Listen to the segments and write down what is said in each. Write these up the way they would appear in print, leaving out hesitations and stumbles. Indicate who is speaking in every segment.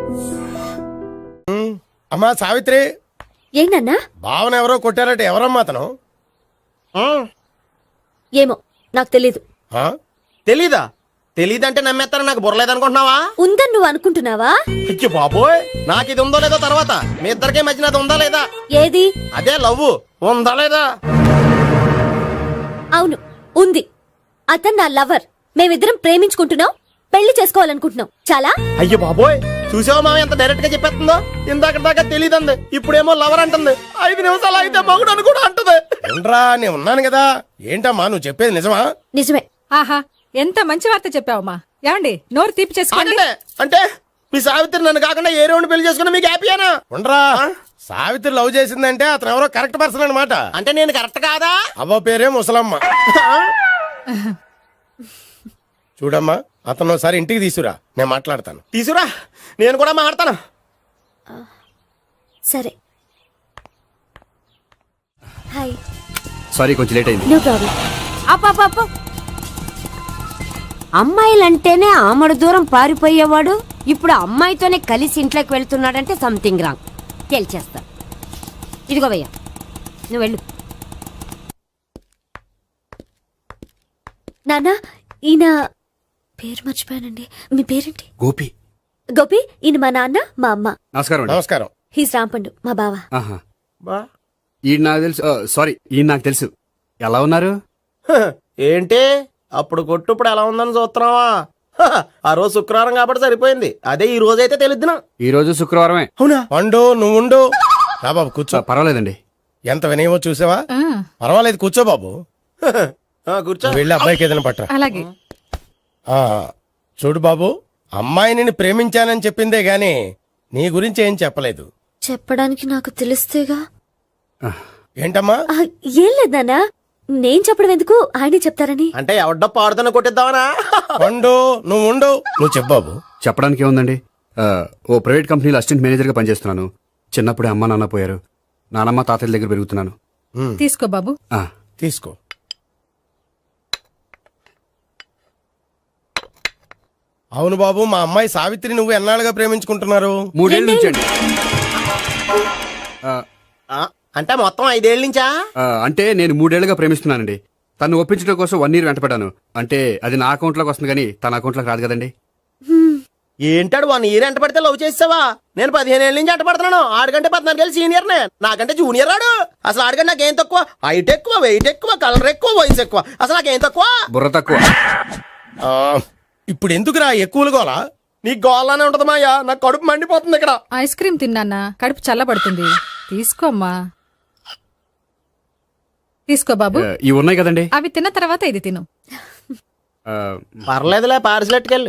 Speaker 1: అమ్మా సావిత్రి,
Speaker 2: ఏంటన్నా?
Speaker 1: భావన ఎవరో కొట్టారట, ఎవరమ్మా అతను?
Speaker 2: ఏమో నాకు తెలీదు.
Speaker 3: తెలీదా? తెలీదంటే నమ్మేస్తారా? నాకు బుర్రలేదనుకుంటున్నావా?
Speaker 2: ఉందని నువ్వు అనుకుంటున్నావా?
Speaker 3: అయ్యో బాబోయ్, నాకు ఇది ఉందో లేదో తర్వాత. మీ ఇద్దరికే మధ్యన అది ఉందా లేదా?
Speaker 2: ఏది?
Speaker 3: అదే లవ్ ఉందా లేదా?
Speaker 2: అవును, ఉంది. అతను నా లవర్. మేమిద్దరం ప్రేమించుకుంటున్నాం, పెళ్లి చేసుకోవాలనుకుంటున్నాం. చాలా.
Speaker 3: అయ్యో బాబోయ్, చూసావా మామ ఎంత డైరెక్ట్ గా చెప్పేస్తుందో? ఇందాక దాకా తెలీదంది, ఇప్పుడేమో లవర్ అంటుంది. 5 నిమిషాలు అయితే మగుడు అని కూడా అంటుంది.
Speaker 1: ఏంట్రా, నేను ఉన్నాను కదా. ఏంటమ్మా నువ్వు చెప్పేది నిజమా?
Speaker 2: నిజమే.
Speaker 4: ఆహా, ఎంత మంచి వార్త చెప్పావమ్మా. ఏమండి, నోరు తీపి చేసుకోండి.
Speaker 3: అంటే మీ సావిత్రి నన్ను కాకుండా ఏ రౌండ్ పెళ్లి చేసుకున్నా మీకు హ్యాపీయేనా?
Speaker 1: ఉండరా, సావిత్రి లవ్ చేసిందంటే అతను ఎవరో కరెక్ట్ పర్సన్ అనమాట.
Speaker 3: అంటే నేను కరెక్ట్ కాదా?
Speaker 1: అవ్వ పేరే ముసలమ్మ. చూడమ్మా, అతను ఒకసారి ఇంటికి తీసుకురా, నేను మాట్లాడతాను.
Speaker 3: తీసురా, నేను కూడా మాట్లాడతాను.
Speaker 2: సరే. హాయ్.
Speaker 5: సారీ, కొంచెం లేట్ అయింది.
Speaker 2: No problem.
Speaker 6: అప్ప అమ్మాయిలంటేనే ఆమడు దూరం పారిపోయేవాడు ఇప్పుడు అమ్మాయితోనే కలిసి ఇంట్లోకి వెళ్తున్నాడంటే సంథింగ్ రాంగ్. తేల్చేస్తా. ఇదిగో భయ్యా, నువ్వు వెళ్ళు.
Speaker 2: నాన్న, ఈయన పేరు మర్చిపోయానండి. మీ పేరేంటి?
Speaker 5: గోపి.
Speaker 2: గోపి. ఈయన మా నాన్న, మా అమ్మ.
Speaker 5: నమస్కారం అండి.
Speaker 1: నమస్కారం.
Speaker 2: హీస్ రాంపండు, మా బావ.
Speaker 5: ఆహా. ఈయన నాకు తెలుసు. సారీ, ఈయన నాకు తెలుసు. ఎలా ఉన్నారు?
Speaker 3: ఏంటి అప్పుడు కొట్టు ఇప్పుడు ఎలా ఉందని చూస్తున్నావా? ఆ రోజు శుక్రవారం కాబట్టి సరిపోయింది. అదే ఈ రోజు అయితే తెలుద్దునా.
Speaker 5: ఈ రోజు శుక్రవారమే.
Speaker 3: అవునా?
Speaker 1: పండు, నువ్వు ఉండు. రా బాబు, కూర్చో.
Speaker 5: పర్వాలేదండి.
Speaker 1: ఎంత వినయమో చూసావా? పర్వాలేదు, కూర్చో బాబు.
Speaker 3: కూర్చో.
Speaker 1: వెళ్ళి అబ్బాయికి ఏదైనా పట్టరా.
Speaker 4: అలాగే.
Speaker 1: చూడు బాబు, అమ్మాయిని ప్రేమించానని చెప్పిందే గాని నీ గురించి ఏం చెప్పలేదు.
Speaker 2: చెప్పడానికి నాకు తెలిస్తేగా.
Speaker 1: ఏంటమ్మా?
Speaker 2: ఏం లేదు నాన్న, నేను చెప్పడం ఎందుకు, ఆయనే చెప్తారని.
Speaker 3: అంటే ఎవడ్డో పాడుతున్న కొట్టిద్దామనా?
Speaker 1: పండు, నువ్వు ఉండు. నువ్వు చెప్పు బాబు.
Speaker 5: చెప్పడానికి ఏముందండి, ఓ ప్రైవేట్ కంపెనీలో అసిస్టెంట్ మేనేజర్ గా పనిచేస్తున్నాను. చిన్నప్పుడే అమ్మ నాన్న పోయారు. నానమ్మ తాతయ్య దగ్గర పెరుగుతున్నాను.
Speaker 4: తీసుకో బాబు.
Speaker 1: తీసుకో. అవును బాబు, మా అమ్మాయి సావిత్రి నువ్వు ఎన్నాళ్ళుగా ప్రేమించుకుంటున్నారు?
Speaker 5: 3 ఏళ్ళ నుంచి అండి.
Speaker 3: అంటే మొత్తం 5 ఏళ్ళ నుంచా?
Speaker 5: అంటే నేను 3 ఏళ్లుగా ప్రేమిస్తున్నానండి. తను ఒప్పించడం కోసం 1 year వెంటపడ్డాను. అంటే అది నా అకౌంట్ లోకి వస్తుంది కానీ తన అకౌంట్ లోకి రాదు కదండి.
Speaker 3: ఏంటాడు 1 year ఎంట పడితే లవ్ చేసావా? నేను 15 ఏళ్ళ నుంచి ఎంట పడుతున్నాను. ఆడికంటే 14 ఏళ్ళు సీనియర్ నే, నాకంటే జూనియర్ రాడు. అసలు ఆడికంటే నాకేం తక్కువ? హైట్ ఎక్కువ, వెయిట్ ఎక్కువ, కలర్ ఎక్కువ, వయసు ఎక్కువ. అసలు నాకేం తక్కువ?
Speaker 5: బుర్ర తక్కువ.
Speaker 1: ఇప్పుడు ఎందుకురా ఎక్కువలు గోలా?
Speaker 3: నీకు గోళ్ళనే ఉంటది మాయా, నాకు కడుపు మండిపోతుంది ఇక్కడ.
Speaker 4: ఐస్ క్రీమ్ తిన్నానా, కడుపు చల్లబడుతుంది. తీసుకోమ్మా. తీసుకో బాబు.
Speaker 5: ఇవి ఉన్నాయి కదండి.
Speaker 4: అవి తిన్న తర్వాత ఇది తిను.
Speaker 3: పర్లేదులే, పార్సిలెట్కెళ్ళి.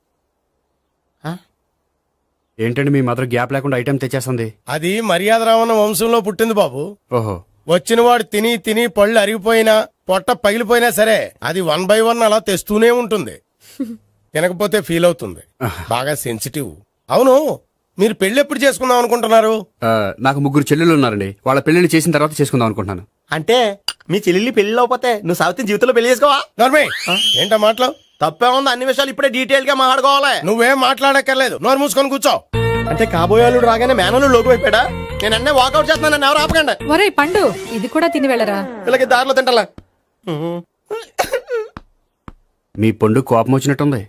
Speaker 5: ఏంటండి మీ మదర్ గ్యాప్ లేకుండా ఐటెం తెచ్చేస్తుంది?
Speaker 1: అది మర్యాద రావణ వంశంలో పుట్టింది బాబు.
Speaker 5: ఓహో.
Speaker 1: వచ్చినవాడు తిని తిని పళ్ళు అరిగిపోయినా, పొట్ట పగిలిపోయినా సరే అది 1 by 1 అలా తెస్తూనే ఉంటుంది. తినకపోతే ఫీల్ అవుతుంది. బాగా సెన్సిటివ్. అవును, మీరు పెళ్లి ఎప్పుడు చేసుకుందాం అనుకుంటున్నారు?
Speaker 5: నాకు 3 చెల్లెళ్ళు ఉన్నారండి. వాళ్ళ పెళ్లిని చేసిన తర్వాత చేసుకుందాం అనుకుంటున్నాను.
Speaker 3: అంటే మీ చెల్లెల్ని పెళ్లి లేకపోతే నువ్వు సావిత్రి జీవితంలో పెళ్లి చేసుకోవా?
Speaker 1: నోర్మే, ఏంటా మాటలు?
Speaker 3: తప్పే ఉంది, అన్ని విషయాలు ఇప్పుడే డీటెయిల్ గా మాట్లాడుకోవాలి.
Speaker 1: నువ్వేం మాట్లాడక్కర్లేదు, నోరు మూసుకొని కూర్చో.
Speaker 3: అంటే కాబోయేవాళ్ళు రాగానే మేనలు లోకి అయిపోయాడా? నేను అన్నీ వాకౌట్ చేస్తున్నాను, నన్ను ఎవరు ఆపకండి.
Speaker 4: ఒరేయ్ పండు, ఇది కూడా తిని వెళ్ళరా.
Speaker 3: వీళ్ళకి దారిలో తింటలా.
Speaker 5: మీ పండు కోపం వచ్చినట్టుంది.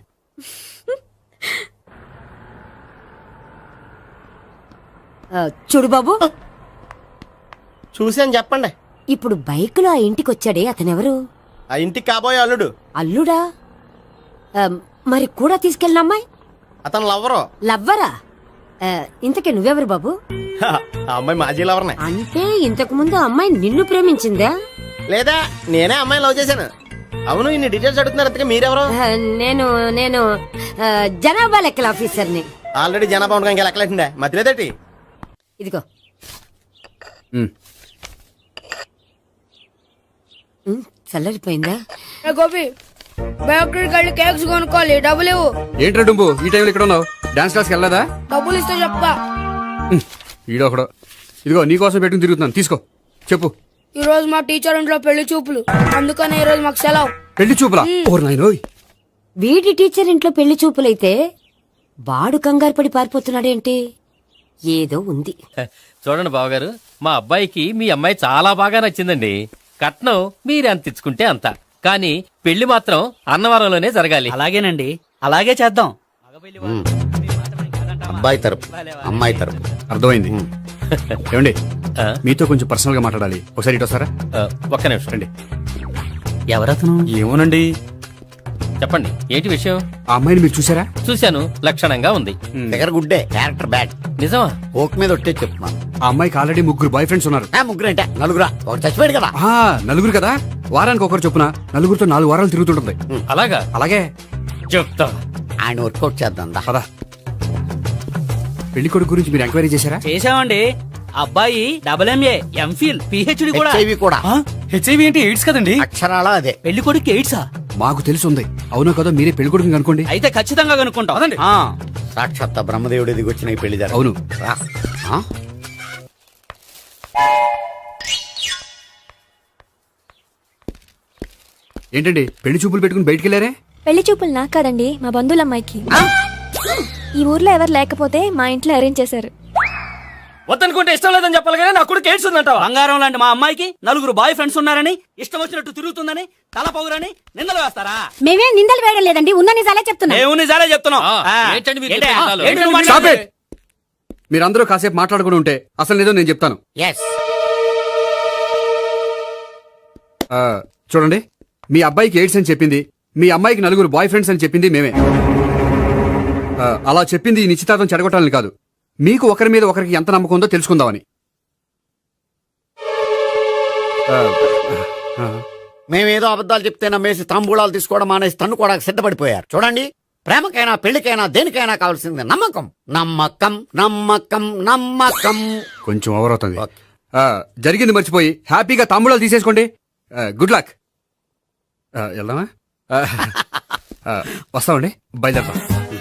Speaker 6: చూడు బాబు,
Speaker 3: చూసి అని చెప్పండి.
Speaker 6: ఇప్పుడు బైక్ లో ఆ ఇంటికి వచ్చాడే అతనెవరు?
Speaker 3: ఆ ఇంటికి కాబోయే అల్లుడు.
Speaker 6: అల్లుడా? మరి కూడా తీసుకెళ్ళిన అమ్మాయి?
Speaker 3: అతను లవ్వరు.
Speaker 6: లవ్వరా? ఇంతకీ నువ్వెవరు బాబు?
Speaker 3: ఆ అమ్మాయి మాజీ లవర్నే.
Speaker 6: అంటే ఇంతకు ముందు అమ్మాయి నిన్ను ప్రేమించిందా?
Speaker 3: లేదా నేనే అమ్మాయి లవ్ చేశాను. అవును, ఇన్ని డీటెయిల్స్ అడుగుతున్నారు. ఇంతకీ మీరెవరు?
Speaker 6: నేను నేను జనాభా లెక్కల ఆఫీసర్ని.
Speaker 3: ఆల్రెడీ జనాభా ఉండగా ఇంకా లెక్కలేటండే మధ్యలేదేటి.
Speaker 6: ఇదిగో. చల్లరిపోయిందా?
Speaker 7: గోపి, బయోక్రెడిట్ వెళ్ళి కేక్స్ కొనుక్కోవాలి, డబ్బులు ఇవ్వు.
Speaker 5: ఏంట్రా డుంబు, ఈ టైంలో ఇక్కడ ఉన్నావు? డాన్స్ క్లాస్కి వెళ్ళదా?
Speaker 7: డబ్బులు ఇస్తే చెప్తా.
Speaker 5: ఈడొకడు. ఇదిగో నీకోసం పెట్టుకుని తిరుగుతున్నాను, తీసుకో. చెప్పు.
Speaker 7: ఈ రోజు మా టీచర్ ఇంట్లో పెళ్లి చూపులు, అందుకనే ఈ రోజు మాకు సెలవు.
Speaker 5: పెళ్లి చూపులా? ఓర్ నాయనోయ్.
Speaker 6: వీడి టీచర్ ఇంట్లో పెళ్లి చూపులైతే వాడు కంగారు పడి పారిపోతున్నాడేంటి? ఏదో ఉంది.
Speaker 8: చూడండి బావగారు, మా అబ్బాయికి మీ అమ్మాయి చాలా బాగా నచ్చిందండి. కట్నం మీరు ఎంత ఇచ్చుకుంటే అంత, కానీ పెళ్లి మాత్రం అన్నవరంలోనే జరగాలి.
Speaker 9: అలాగేనండి, అలాగే చేద్దాం.
Speaker 3: అబ్బాయి తరపు అమ్మాయి తరపు.
Speaker 5: అర్థమైంది. ఏమండి
Speaker 8: ఆ?
Speaker 5: మీతో కొంచెం పర్సనల్ గా మాట్లాడాలి. ఒకసారి ఇటు వస్తారా?
Speaker 8: ఒక్క నిమిషం
Speaker 5: రండి.
Speaker 9: ఎవరతను?
Speaker 5: ఏమోనండి.
Speaker 8: చెప్పండి, ఏంటి విషయం?
Speaker 5: ఆ అమ్మాయిని మీరు చూసారా?
Speaker 8: చూశాను, లక్షణంగా ఉంది.
Speaker 3: దగ్గర గుడ్డే, క్యారెక్టర్ బ్యాడ్.
Speaker 8: నిజమా?
Speaker 3: ఓక్ మీద ఒట్టే చెప్తున్నాను.
Speaker 5: ఆ అమ్మాయికి ఆల్రెడీ 3 బాయ్ ఫ్రెండ్స్ ఉన్నారు.
Speaker 3: ముగ్గురు అంటే నలుగురా, ఒకటి చచ్చిపోయాడు కదా.
Speaker 5: ఆ, నలుగురు కదా, వారానికి ఒకరు చొప్పున నలుగురితో 4 వారాలు తిరుగుతుంటుంది.
Speaker 8: అలాగా?
Speaker 5: అలాగే.
Speaker 8: చెప్తా.
Speaker 3: ఆయన వర్కౌట్ చేద్దాం దా.
Speaker 5: పదా. పెళ్లి కొడుకు గురించి మీరు ఎంక్వైరీ చేశారా?
Speaker 9: చేశామండి. అబ్బాయి MA, MPhil, PhD కూడా.
Speaker 3: HIV కూడా.
Speaker 5: హెచ్ఐవి అంటే ఎయిడ్స్ కదండి.
Speaker 3: అక్షరాల అదే.
Speaker 9: పెళ్లి కొడుకు ఎయిడ్సా?
Speaker 5: మాకు తెలుసుంది. అవునో కదా, మీరే పెళ్లి కొడుకుని అనుకోండి.
Speaker 9: అయితే ఖచ్చితంగా కనుక్కుంటాం. ఆ.
Speaker 3: సాక్షాత్ బ్రహ్మదేవుడు దిగి వచ్చిన ఈ పెళ్లి జరగదు.
Speaker 5: అవును.
Speaker 3: రా. ఆ?
Speaker 5: ఏంటండి పెళ్లి చూపులు పెట్టుకుని బయటికి వెళ్ళారే?
Speaker 2: పెళ్లి చూపులు నాకు కాదండి, మా బంధువుల అమ్మాయికి. ఈ ఊర్లో ఎవరు లేకపోతే మా ఇంట్లో అరేంజ్ చేశారు.
Speaker 8: వద్దనుకుంటే ఇష్టం లేదని చెప్పాలి కానీ నా కొడుకు ఎయిడ్స్ ఉందంటావా?
Speaker 9: బంగారం లాంటి మా అమ్మాయికి 4 బాయ్ ఫ్రెండ్స్ ఉన్నారని, ఇష్టం వచ్చినట్టు తిరుగుతుందని, తల పొగరని నిందలు వేస్తారా?
Speaker 6: మేమే నిందలు వేయడం లేదండి, ఉన్న నిజాలే చెప్తున్నా.
Speaker 9: మేము నిజాలే చెప్తున్నాం.
Speaker 8: ఆ,
Speaker 9: ఆ.
Speaker 8: ఏంటండి మీరు
Speaker 9: ఏంటి?
Speaker 8: చెప్పే నిజాలు?
Speaker 9: ఏంటి నువ్వు
Speaker 5: Stop
Speaker 9: మాట్లాడేది?
Speaker 5: it! మీరందరూ కాసేపు మాట్లాడుకుని ఉంటే అసలు నిజం నేను చెప్తాను.
Speaker 3: Yes.
Speaker 5: ఆ, చూడండి, మీ అబ్బాయికి ఎయిడ్స్ అని చెప్పింది, మీ అమ్మాయికి 4 బాయ్ ఫ్రెండ్స్ అని చెప్పింది మేమే. అలా చెప్పింది ఈ నిశ్చితార్థం చెడగొట్టాలని కాదు, మీకు ఒకరి మీద ఒకరికి ఎంత నమ్మకం ఉందో తెలుసుకుందామని. ఆ, ఆ,
Speaker 3: మేమేదో అబద్ధాలు చెప్తే నమ్మేసి తాంబూలాలు తీసుకోవడం మానేసి తన్నుకోవడానికి సిద్ధపడిపోయారు. చూడండి, ప్రేమకైనా పెళ్లికైనా దేనికైనా కావాల్సింది నమ్మకం. నమ్మకం నమ్మకం నమ్మకం.
Speaker 5: కొంచెం ఓవర్ అవుతుంది.
Speaker 3: ఓకే.
Speaker 5: జరిగింది మర్చిపోయి హ్యాపీగా తాంబూలాలు తీసేసుకోండి. Good luck. వెళ్దామా? వస్తామండి, బయలుదేరతాం.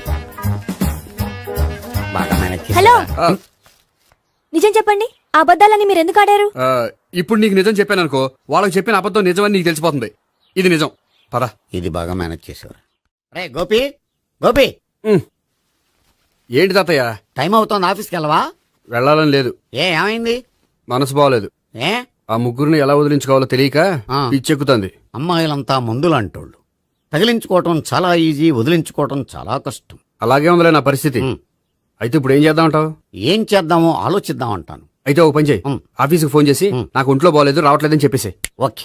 Speaker 3: బాగా మేనేజ్ చేశారా?
Speaker 2: హలో, నిజం చెప్పండి, ఆ అబద్ధాలని మీరు ఎందుకు ఆడారు?
Speaker 5: ఇప్పుడు నీకు నిజం చెప్పాను అనుకో, వాళ్ళకి చెప్పిన అబద్ధం నిజమని నీకు తెలిసిపోతుంది. ఇది నిజం. పద.
Speaker 3: ఇది బాగా మేనేజ్ చేశారు. రే గోపి, గోపి,
Speaker 5: ఏంటి తాతయ్య?
Speaker 3: టైం అవుతోంది, ఆఫీస్కి వెళ్ళవా?
Speaker 5: వెళ్ళాలని లేదు.
Speaker 3: ఏమైంది?
Speaker 5: మనసు బాగోలేదు.
Speaker 3: ఏ
Speaker 5: ఆ ముగ్గురిని ఎలా వదిలించుకోవాలో తెలియక
Speaker 3: ఆ.
Speaker 5: పిచ్చెక్కుతుంది.
Speaker 3: అమ్మాయిలంతా మందులంటోళ్ళు. తగిలించుకోవటం చాలా ఈజీ, వదిలించుకోవటం చాలా కష్టం.
Speaker 5: అలాగే ఉందిలే నా పరిస్థితి. అయితే ఇప్పుడు ఏం చేద్దామంటావు?
Speaker 3: ఏం చేద్దామో ఆలోచిద్దాం అంటాను.
Speaker 5: అయితే ఓ పని చేయి, ఆఫీస్కి ఫోన్ చేసి నాకు ఒంట్లో బాగోలేదు రావట్లేదని చెప్పేసి.
Speaker 3: ఓకే.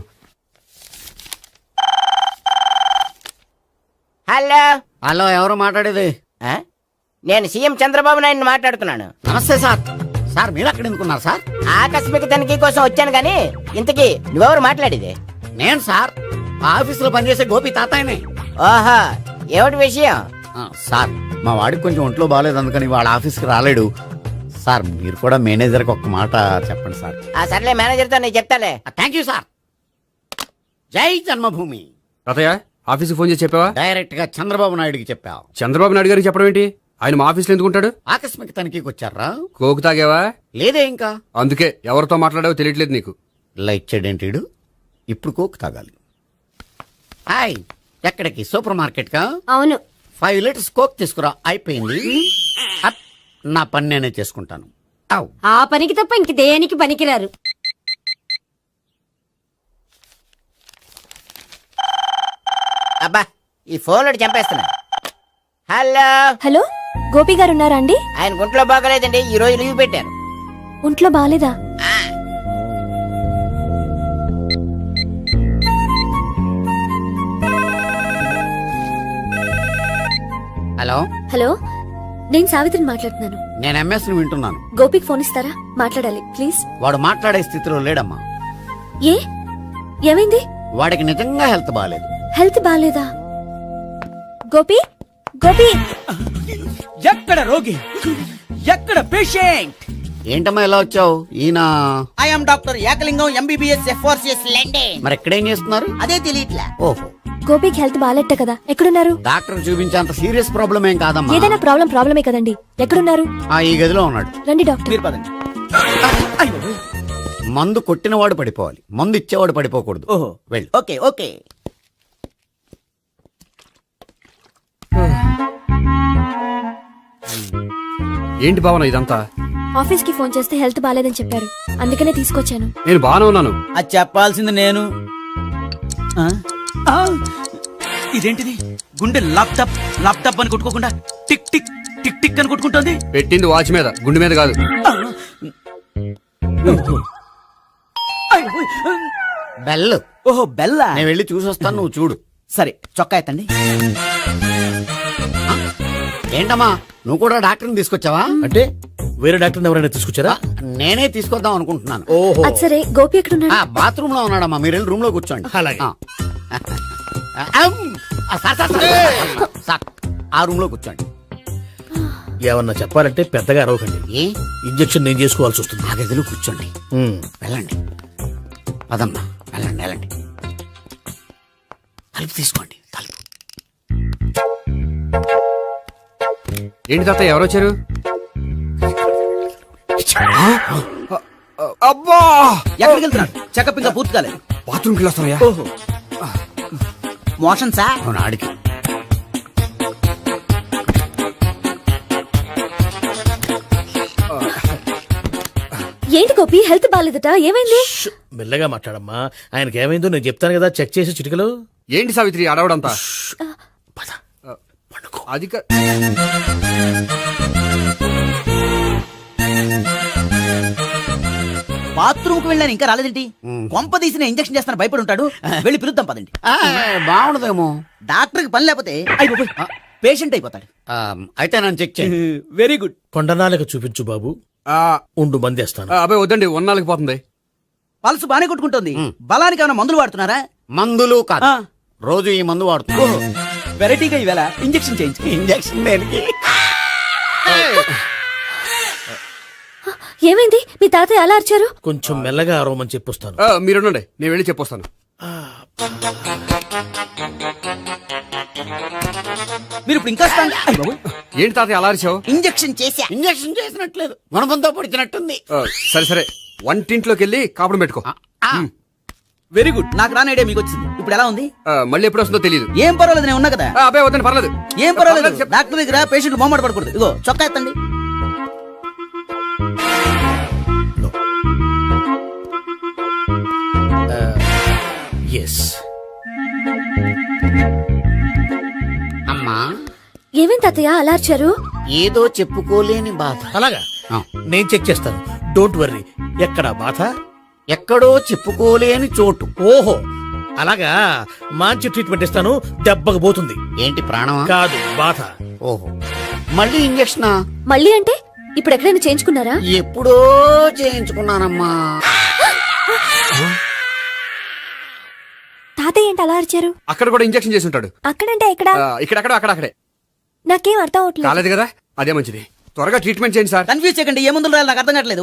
Speaker 10: హలో,
Speaker 3: హలో, ఎవరు మాట్లాడేది?
Speaker 10: నేను సీఎం చంద్రబాబు నాయుడు మాట్లాడుతున్నాను.
Speaker 3: నమస్తే సార్. సార్ మీరు అక్కడ ఎందుకున్నారు సార్?
Speaker 10: ఆకస్మిక తనిఖీ కోసం వచ్చాను గాని ఇంతకీ నువ్వెవరు మాట్లాడేది?
Speaker 3: నేను సార్, ఆ ఆఫీసులో పనిచేసే గోపి తాతాయనే.
Speaker 10: ఓహో, ఏమిటి విషయం?
Speaker 3: సార్, మా వాడికి కొంచెం ఒంట్లో బాగాలేదు, అందుకని వాళ్ళ ఆఫీస్కి రాలేడు. సార్ మీరు కూడా మేనేజర్కి ఒక మాట చెప్పండి సార్.
Speaker 10: ఆ సర్లే, మేనేజర్తో నేను చెప్తాలే.
Speaker 3: Thank you sir. జై జన్మభూమి.
Speaker 5: తాతయ్య, ఆఫీస్కి ఫోన్ చేసి చెప్పావా?
Speaker 3: డైరెక్ట్ గా చంద్రబాబు నాయుడుకి చెప్పావు.
Speaker 5: చంద్రబాబు నాయుడు గారికి చెప్పడం ఏంటి? ఆయన మా ఆఫీస్లో ఎందుకుంటాడు?
Speaker 3: ఆకస్మిక తనిఖీకి వచ్చారా?
Speaker 5: కోకు తాగావా?
Speaker 3: లేదే ఇంకా.
Speaker 5: అందుకే ఎవరితో మాట్లాడావో తెలియట్లేదు నీకు.
Speaker 3: లైట్ చేయడేంటిడు? ఇప్పుడు కోక్ తాగాలి. హాయ్, ఎక్కడికి? సూపర్ మార్కెట్ కా?
Speaker 6: అవును.
Speaker 3: 5 లీటర్స్ కోక్ తీసుకురా. అయిపోయింది. అప్, నా పని నేనే చేసుకుంటాను. ఔ.
Speaker 6: ఆ పనికి తప్ప ఇంక దేనికి పనికిరారు.
Speaker 10: అబ్బా, ఈ ఫోన్లో చంపేస్తున్నా. హలో,
Speaker 2: హలో, గోపి గారు ఉన్నారా అండి?
Speaker 10: ఆయన గుంట్లో బాగలేదండి, ఈ రోజు లీవ్ పెట్టారు.
Speaker 2: ఒంట్లో బాగాలేదా?
Speaker 3: హలో,
Speaker 2: హలో, నేను సావిత్రిని మాట్లాడుతున్నాను.
Speaker 3: నేను ఎంఎస్ ని వింటున్నాను.
Speaker 2: గోపికి ఫోన్ ఇస్తారా? మాట్లాడాలి ప్లీజ్.
Speaker 3: వాడు మాట్లాడే స్థితిలో లేడమ్మా.
Speaker 2: ఏ, ఏమైంది?
Speaker 3: వాడికి నిజంగా హెల్త్ బాగాలేదు.
Speaker 2: హెల్త్ బాగాలేదా? గోపి, గోపి,
Speaker 9: ఎక్కడ రోగి, ఎక్కడ పేషెంట్?
Speaker 3: ఏంటమ్మా ఇలా వచ్చావు? ఈయన
Speaker 10: I'm doctor Ekalingam MBBS FRCS London.
Speaker 3: మరి ఎక్కడేం చేస్తున్నారు?
Speaker 10: అదే తెలియట్లే.
Speaker 3: ఓహో,
Speaker 2: గోపికి హెల్త్ బాగాలెట్ట కదా, ఎక్కడున్నారు?
Speaker 3: డాక్టర్ చూపించేంత సీరియస్ ప్రాబ్లం ఏం కాదమ్మా.
Speaker 2: ఏదైనా ప్రాబ్లమే కదండి, ఎక్కడున్నారు?
Speaker 3: ఈ గదిలో ఉన్నాడు.
Speaker 2: రండి డాక్టర్.
Speaker 9: మీరు పదండి.
Speaker 3: మందు కొట్టినవాడు పడిపోవాలి, మందు ఇచ్చేవాడు పడిపోకూడదు.
Speaker 9: ఓహో,
Speaker 3: వెళ్ళు.
Speaker 10: Okay okay.
Speaker 5: ఏంటి భావన ఇదంతా?
Speaker 2: ఆఫీస్ కి ఫోన్ చేస్తే హెల్త్ బాలేదని చెప్పారు, అందుకనే తీసుకొచ్చాను.
Speaker 5: నేను బాగానే ఉన్నాను.
Speaker 9: అది చెప్పాల్సింది నేను. ఆ? ఆ! ఇదేంటిది? గుండె లాప్టాప్ లాప్టాప్ అని కొట్టుకోకుండా టిక్ టిక్ టిక్ టిక్ అని కొట్టుకుంటుంది.
Speaker 5: పెట్టింది వాచ్ మీద, గుండె మీద కాదు.
Speaker 3: బెల్.
Speaker 9: ఓహో బెల్లా.
Speaker 3: నేను వెళ్ళి చూసొస్తాను, నువ్వు చూడు.
Speaker 9: సరే చొక్కా ఎత్తండి.
Speaker 3: ఏంటమ్మా, నువ్వు కూడా డాక్టర్ని తీసుకొచ్చావా?
Speaker 9: అంటే వేరే డాక్టర్ ఎవరైనా తీసుకొచ్చారా?
Speaker 3: నేనే తీసుకొద్దాం అనుకుంటున్నాను.
Speaker 9: ఓహో
Speaker 2: అది సరే, గోపి ఎక్కడున్నాడు?
Speaker 3: బాత్రూమ్ లో ఉన్నాడమ్మా, మీరు వెళ్ళి రూమ్ లో కూర్చోండి.
Speaker 9: అలాగే.
Speaker 3: సార్, ఆ రూమ్ లో కూర్చోండి.
Speaker 9: ఏమన్నా చెప్పాలంటే పెద్దగా అరవకండి.
Speaker 3: ఏ
Speaker 9: ఇంజెక్షన్ నేను చేసుకోవాల్సి వస్తుంది.
Speaker 3: ఆ గదిలో కూర్చోండి. వెళ్ళండి, పదమ్మా, వెళ్ళండి వెళ్ళండి. తలుపు తీసుకోండి, తలుపు.
Speaker 5: ఏంటి తాత ఎవరు వచ్చారు? అబ్బా,
Speaker 9: ఎక్కడికి వెళ్తున్నాడు? చెకప్ ఇంకా పూర్తి కాలేదు.
Speaker 5: బాత్రూమ్కి వెళ్ళొస్తానయ్యా.
Speaker 9: ఓహో మోషన్ సార్.
Speaker 3: అవును, ఆడికి.
Speaker 2: ఏంటి గోపి, హెల్త్ బాలేదట, ఏమైంది?
Speaker 9: మెల్లగా మాట్లాడమ్మా. ఆయనకి ఏమైందో నేను చెప్తాను కదా, చెక్ చేసి చిటికలు.
Speaker 5: ఏంటి సావిత్రి అడవడంతా? అది
Speaker 9: బాత్రూమ్ కు వెళ్ళాను, ఇంకా రాలేదేంటి? కొంప తీసిన ఇంజెక్షన్ చేస్తాను భయపడి ఉంటాడు. వెళ్ళి పిలుద్దాం పదండి.
Speaker 3: బాగుండదేమో.
Speaker 9: డాక్టర్ కి పని లేకపోతే పేషెంట్ అయిపోతాడు.
Speaker 3: అయితే నన్ను చెక్ చేయి.
Speaker 9: Very good. కొండనాలకు చూపించు బాబు. ఉండు మందేస్తాను.
Speaker 5: అబ్బాయి వద్దండి, ఉన్నాళ్ళకి పోతుంది.
Speaker 9: పల్స్ బానే కొట్టుకుంటుంది. బలానికి ఏమైనా మందులు వాడుతున్నారా?
Speaker 3: మందులు కాదు, రోజు ఈ మందు వాడుతున్నా.
Speaker 9: వెరైటీగా ఈవేళ ఇంజెక్షన్ చేయించు.
Speaker 3: ఇంజెక్షన్ దేనికి?
Speaker 2: ఏమైంది? మీ తాతయ్య అలా అరిచారు?
Speaker 9: కొంచెం మెల్లగా అరవమని చెప్పొస్తాను.
Speaker 5: మీరుండండి, నేను వెళ్ళి చెప్పొస్తాను.
Speaker 9: మీరు ఇప్పుడు ఇంకా
Speaker 5: ఏంటి తాతయ్య అలా అరిచావు?
Speaker 9: ఇంజెక్షన్ చేశా.
Speaker 3: ఇంజెక్షన్ చేసినట్లేదు, గుణపంతో పొడిచినట్టుంది.
Speaker 5: సరే సరే, వంటింట్లోకి వెళ్ళి కాపుడు పెట్టుకో.
Speaker 9: Very good. నాకు రాని ఐడియా మీకు వచ్చింది. ఇప్పుడు ఎలా ఉంది?
Speaker 5: మళ్ళీ ఎప్పుడు వస్తుందో తెలియదు.
Speaker 9: ఏం పర్వాలేదు, నేను ఉన్నా కదా.
Speaker 5: అబ్బాయి వద్దండి, పర్లేదు.
Speaker 9: ఏం పర్వాలేదు. డాక్టర్ దగ్గర పేషెంట్ మొహమాట పడకూడదు. ఇగో చొక్కా ఎత్తండి. ఎస్.
Speaker 3: అమ్మా,
Speaker 2: ఏమైంది తాతయ్య అలా అరిచారు?
Speaker 3: ఏదో చెప్పుకోలేని బాధ.
Speaker 9: అలాగా,
Speaker 3: ఆ.
Speaker 9: నేను చెక్ చేస్తాను. Don't worry. ఎక్కడ బాధ?
Speaker 3: ఎక్కడో చెప్పుకోలేని చోటు.
Speaker 9: ఓహో అలాగా, మంచి ట్రీట్మెంట్ ఇస్తాను. దెబ్బకు పోతుంది.
Speaker 3: ఏంటి, ప్రాణమా?
Speaker 9: కాదు, బాధ.
Speaker 3: ఓహో, మళ్ళీ ఇంజక్షనా?
Speaker 2: మళ్ళీ అంటే ఇప్పుడు ఎక్కడైనా చేయించుకున్నారా?
Speaker 3: ఎప్పుడో చేయించుకున్నానమ్మా.
Speaker 2: తాతయ్య ఏంటి అలా అరిచారు?
Speaker 5: అక్కడ కూడా ఇంజెక్షన్ చేసి ఉంటాడు.
Speaker 2: అక్కడంటే ఎక్కడ?
Speaker 5: ఇక్కడక్కడ అక్కడక్కడే.
Speaker 2: నాకేం అర్థం అవట్లేదు.
Speaker 5: కాలేదు కదా, అదే మంచిది. త్వరగా ట్రీట్మెంట్ చేయండి సార్.
Speaker 9: కన్ఫ్యూజ్ చేయకండి. ఏ మందులు రాయాలి నాకు అర్థం కావట్లేదు.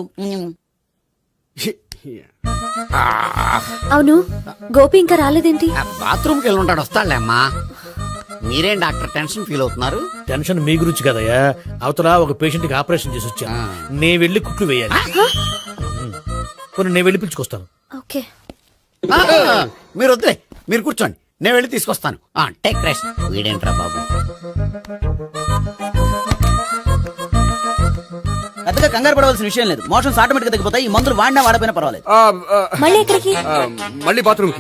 Speaker 2: అవును, గోపి ఇంకా రాలేదేంటి?
Speaker 3: బాత్రూమ్కి వెళ్ళి ఉంటాడు, వస్తాడులే అమ్మా. మీరేం డాక్టర్ టెన్షన్ ఫీల్ అవుతున్నారు?
Speaker 9: టెన్షన్ మీ గురించి కదయ్యా. అవతల ఒక పేషెంట్ కి ఆపరేషన్ చేసి వచ్చా. నేను వెళ్ళి కుట్లు వేయాలి. కొన్ని నేను వెళ్ళి పిలుచుకొస్తాను.
Speaker 2: ఓకే.
Speaker 3: మీరు వద్దులే, మీరు కూర్చోండి, నేను వెళ్ళి తీసుకొస్తాను. Take rest. వీడేంట్రా బాబు.
Speaker 9: పెద్దగా కంగారు పడవలసిన విషయం లేదు. మోషన్స్ ఆటోమేటిక్ గా తగ్గిపోతాయి. ఈ మందులు వాడినా వాడపోయినా పర్వాలేదు.
Speaker 2: మళ్ళీ ఎక్కడికి?
Speaker 5: మళ్ళీ బాత్రూమ్కి.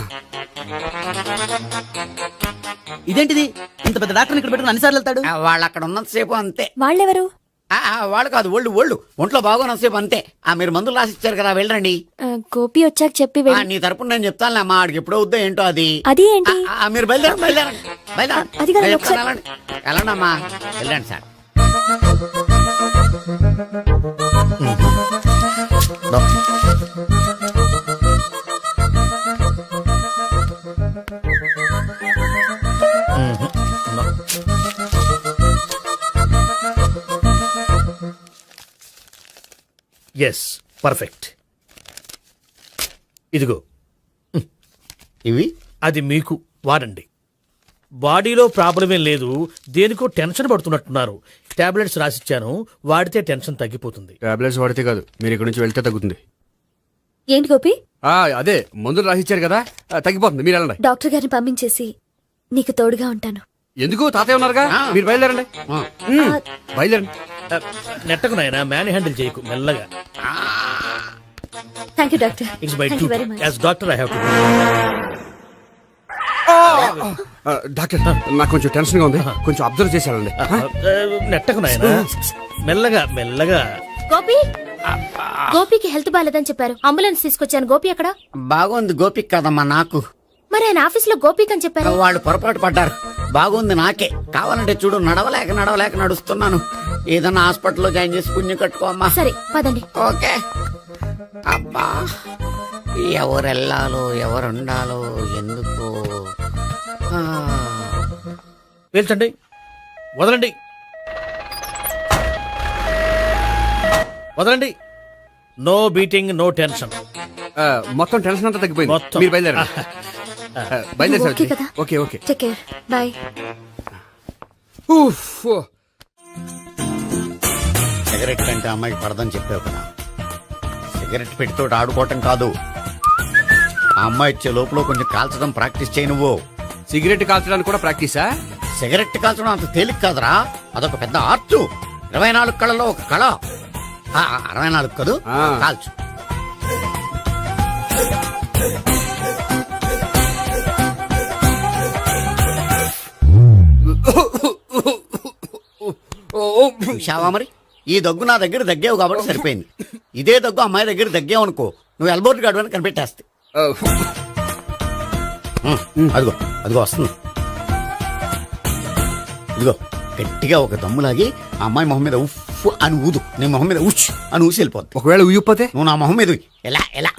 Speaker 9: ఇదేంటిది? ఇంత పెద్ద డాక్టర్ ఇక్కడ పెట్టుకుని అన్నిసార్లు వెళ్తాడు.
Speaker 3: వాళ్ళు అక్కడ ఉన్నంతసేపు అంతే.
Speaker 2: వాళ్ళెవరు?
Speaker 3: వాళ్ళు కాదు, ఒళ్ళు ఒంట్లో బాగోనంతసేపు అంతే. మీరు మందులు రాసి ఇచ్చారు కదా, వెళ్ళండి.
Speaker 2: గోపి వచ్చాక చెప్పి
Speaker 3: నీ తరపున నేను చెప్తానులే అమ్మా, ఆడికి ఎప్పుడో వద్దో ఏంటో అది.
Speaker 2: అది ఏంటి?
Speaker 3: మీరు బయలుదేరండి.
Speaker 2: అది కాదు, ఒకసారి-
Speaker 3: వెళ్ళండి అమ్మా, వెళ్ళండి సార్.
Speaker 9: Yes, perfect. ఇదిగో
Speaker 3: ఇవి
Speaker 9: అది మీకు వాడండి. బాడీలో ప్రాబ్లం ఏం లేదు, దేనికో టెన్షన్ పడుతున్నట్టున్నారు. టాబ్లెట్స్ రాసిచ్చాను, వాడితే టెన్షన్ తగ్గిపోతుంది.
Speaker 5: టాబ్లెట్స్ వాడితే కాదు, మీరు ఇక్కడ నుంచి వెళ్తే తగ్గుతుంది.
Speaker 2: ఏంటి గోపి?
Speaker 5: అదే మందులు రాసిచ్చారు కదా, తగ్గిపోతుంది. మీరు వెళ్ళండి.
Speaker 2: డాక్టర్ గారిని పంపించేసి నీకు తోడుగా ఉంటాను.
Speaker 5: ఎందుకు తాతయ్య ఉన్నారుగా మీరు బయలుదేరండి బయలుదేరండి.
Speaker 9: నెట్టకు నాయనా మ్యాన్ హ్యాండిల్ చేయకు మెల్లగా.
Speaker 2: Thank you doctor.
Speaker 9: It's by
Speaker 2: thank
Speaker 9: too
Speaker 2: you very much.
Speaker 9: As doctor I have to.
Speaker 5: Doctor నాకు కొంచెం టెన్షన్ గా ఉంది, కొంచెం అబ్జర్వ్ చేశానండి.
Speaker 9: నెట్టకు నాయనా మెల్లగా మెల్లగా.
Speaker 2: గోపి గోపికి హెల్త్ బాలేదని చెప్పారు, అంబులెన్స్ తీసుకొచ్చాను. గోపి అక్కడ?
Speaker 10: బాగుంది గోపిక్ కదమ్మా నాకు.
Speaker 2: మరి ఆయన ఆఫీస్ లో గోపిక్ అని చెప్పారు.
Speaker 10: వాళ్ళు పొరపాటు పడ్డారు. బాగుంది నాకే. కావాలంటే చూడు, నడవలేక నడుస్తున్నాను. ఏదన్నా హాస్పిటల్లో జాయిన్ చేసి పుణ్యం కట్టుకోమ్మా.
Speaker 2: సరే పదండి.
Speaker 10: ఓకే. అబ్బా, ఎవరెళ్ళాలో ఎవరుండాలో ఎందుకు.
Speaker 9: పేల్చండి, వదలండి, వదలండి. No beating, no tension.
Speaker 5: మొత్తం టెన్షన్ అంతా తగ్గిపోయింది.
Speaker 9: మొత్తం.
Speaker 5: మీరు బయలుదేరండి. బయలుదేరి
Speaker 2: ఓకే కదా?
Speaker 5: Okay okay.
Speaker 2: Take care. Bye.
Speaker 10: Cigarette కంటే అమ్మాయికి పడదని చెప్పావు కదా. సిగరెట్ పెట్టితో ఆడుకోవటం కాదు, ఆ అమ్మాయి ఇచ్చే లోపల కొంచెం కాల్చడం ప్రాక్టీస్ చేయి నువ్వు.
Speaker 5: సిగరెట్ కాల్చడానికి కూడా ప్రాక్టీసా?
Speaker 10: సిగరెట్ కాల్చడం అంత తేలిక కాదురా, అదొక పెద్ద ఆర్ట్. 24 కళలో ఒక కళ. 64 కదూ, కాల్చు. చూశావా మరి, ఈ దగ్గు నా దగ్గర దగ్గేవు కాబట్టి సరిపోయింది. ఇదే దగ్గు అమ్మాయి దగ్గర దగ్గేవు అనుకో, నువ్వు ఎల్బోర్డ్ గాడు అని కనిపెట్టేస్తే. అదిగో అదిగో వస్తుంది. ఇదిగో గట్టిగా ఒక దమ్ములాగి ఆ అమ్మాయి మొహం మీద ఉఫ్ అని ఊదు, నీ మొహం మీద ఉచ్ అని ఊసి వెళ్ళిపోద్ది.
Speaker 5: ఒకవేళ ఊయకపోతే
Speaker 10: నువ్వు నా మొహం మీద ఉయ్. ఎలా ఎలా.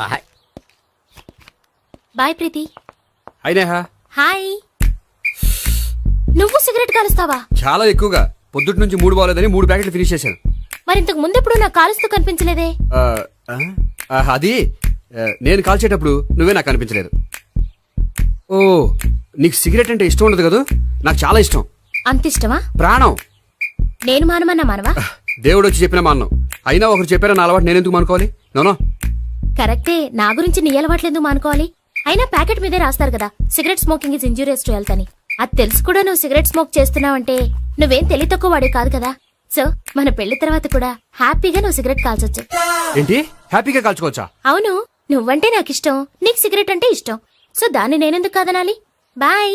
Speaker 2: బాయ్ ప్రీతి.
Speaker 5: అయినా
Speaker 2: హాయ్. నువ్వు సిగరెట్ కాలుస్తావా?
Speaker 5: చాలా ఎక్కువగా. పొద్దుటి నుంచి 3 బాలేదని 3 ప్యాకెట్లు ఫినిష్ చేశాను.
Speaker 2: మరి ఇంతకు ముందెప్పుడు నాకు కాలుస్తూ కనిపించలేదే?
Speaker 5: అది నేను కాల్చేటప్పుడు నువ్వే నాకు కనిపించలేదు. ఓ, నీకు సిగరెట్ అంటే ఇష్టం ఉండదు కదా? నాకు చాలా ఇష్టం.
Speaker 2: అంత ఇష్టమా?
Speaker 5: ప్రాణం.
Speaker 2: నేను మానమన్నా మానవా?
Speaker 5: దేవుడు వచ్చి చెప్పిన మానం. అయినా ఒకరు చెప్పారా నా అలవాటు నేనెందుకు మానుకోవాలి? నోనో.
Speaker 2: కరెక్టే, నా గురించి నీ అలవాట్లెందుకు మానుకోవాలి? అయినా ప్యాకెట్ మీదే రాస్తారు కదా, cigarette smoking is injurious to health అని. అది తెలుసు కూడా నువ్వు సిగరెట్ స్మోక్ చేస్తున్నావంటే నువ్వేం తెలివి తక్కువ వాడే కాదు కదా. సో మన పెళ్లి తర్వాత కూడా హ్యాపీగా నువ్వు సిగరెట్ కాల్చొచ్చు.
Speaker 5: ఏంటి, హ్యాపీగా కాల్చుకోవచ్చా?
Speaker 2: అవును, నువ్వంటే నాకు ఇష్టం, నీకు సిగరెట్ అంటే ఇష్టం. సో దాన్ని నేనెందుకు కాదనాలి? బాయ్.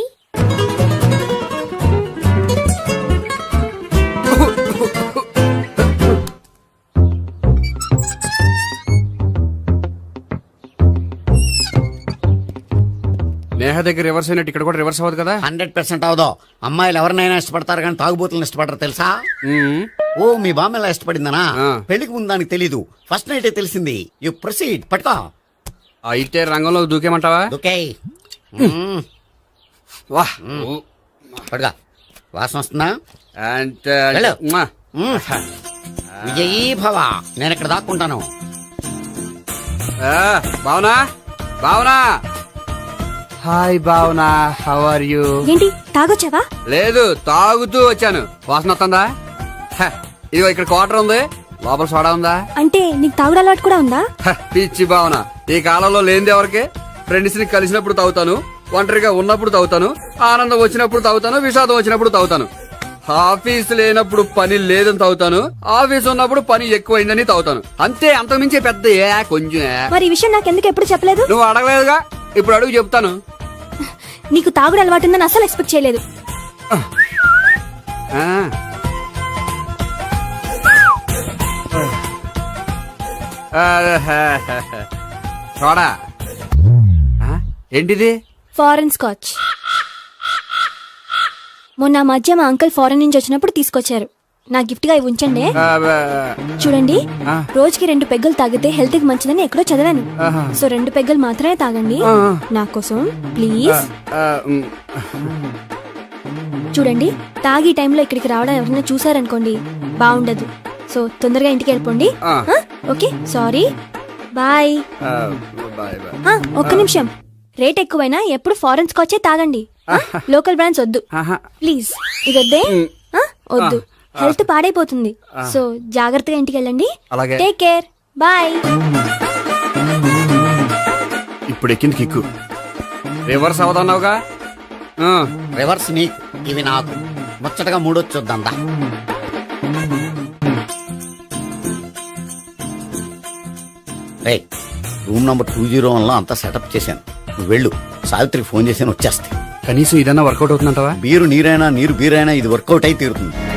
Speaker 5: నేహ దగ్గర రివర్స్ అయినట్టు ఇక్కడ కూడా రివర్స్ అవ్వదు కదా?
Speaker 10: 100% అవదో. అమ్మాయిలు ఎవరినైనా ఇష్టపడతారు కానీ తాగుబోతులను ఇష్టపడరు తెలుసా? ఓ, మీ బామ్మ ఎలా ఇష్టపడిందనా? పెళ్లికి ముందు దానికి తెలీదు, ఫస్ట్ నైటే తెలిసింది. You proceed. పట్టుకో.
Speaker 5: అయితే రంగంలో దూకేమంటావా?
Speaker 10: ఓకే.
Speaker 5: వాహ్,
Speaker 10: పట్టుకో. వాసన వస్తుందా?
Speaker 5: అంటే
Speaker 10: వెళ్ళు. విజయీ భవ. నేను ఇక్కడ దాక్కుంటాను.
Speaker 5: Bhavana, Bhavana. Hi Bhavana, how are you?
Speaker 2: ఏంటి తాగొచ్చావా?
Speaker 5: లేదు, తాగుతూ వచ్చాను. వాసన వస్తుందా? ఇదిగో ఇక్కడ క్వార్టర్ ఉంది, లోపల సోడా ఉందా?
Speaker 2: అంటే నీకు తాగుడు అలవాటు కూడా ఉందా?
Speaker 5: పిచ్చి భావన, ఈ కాలంలో లేనిది ఎవరికి? ఫ్రెండ్స్ ని కలిసినప్పుడు తాగుతాను, ఒంటరిగా ఉన్నప్పుడు తాగుతాను, ఆనందం వచ్చినప్పుడు తాగుతాను, విషాదం వచ్చినప్పుడు తాగుతాను. ఆఫీస్ లేనప్పుడు పని లేదని తాగుతాను, ఆఫీస్ ఉన్నప్పుడు పని ఎక్కువైందని తాగుతాను. అంతే, అంతకుమించే పెద్ద కొంచెం.
Speaker 2: మరి ఈ విషయం నాకెందుకు ఎప్పుడు చెప్పలేదు?
Speaker 5: నువ్వు అడగలేదుగా, ఇప్పుడు అడుగు చెప్తాను.
Speaker 2: నీకు తాగుడు అలవాటు ఉందని అసలు ఎక్స్పెక్ట్ చేయలేదు.
Speaker 5: చూడా, ఏంటిది?
Speaker 2: Foreign scotch. మొన్న మధ్య మా అంకుల్ ఫారెన్ నుంచి వచ్చినప్పుడు తీసుకొచ్చారు. నా గిఫ్ట్ గా ఇవి ఉంచండి. చూడండి, రోజుకి 2 పెగ్గులు తాగితే హెల్త్ కి మంచిదని ఎక్కడో చదివాను. సో 2 పెగ్గులు మాత్రమే తాగండి నా కోసం ప్లీజ్. చూడండి, తాగి టైంలో ఇక్కడికి రావడం ఎవరైనా చూసారనుకోండి బాగుండదు. సో తొందరగా ఇంటికి వెళ్ళిపోండి. Okay, sorry, bye. ఒక్క నిమిషం, రేట్ ఎక్కువైనా ఎప్పుడు ఫారెన్ స్కాచే తాగండి. లోకల్ బ్రాండ్స్ వద్దు ప్లీజ్. ఇది వద్దే, వద్దు, హెల్త్ పాడైపోతుంది. సో జాగ్రత్తగా ఇంటికి వెళ్ళండి. Take care, bye.
Speaker 5: ఇప్పుడు ఎక్కింది కిక్కు. రివర్స్ అవదన్నావుగా?
Speaker 10: రివర్స్ నీకు. ఇవి నాకు ముచ్చటగా మూడొచ్చు చూద్దాం దా. రేయ్, రూమ్ నంబర్ 201 లో అంతా సెటప్ చేశాను. నువ్వు వెళ్ళు, సావిత్రికి ఫోన్ చేశాను, వచ్చేస్తే.
Speaker 5: కనీసం ఇదన్నా వర్కౌట్ అవుతుందంటావా?
Speaker 10: బీరు నీరైనా నీరు బీరైనా ఇది వర్కౌట్ అయి తీరుతుంది.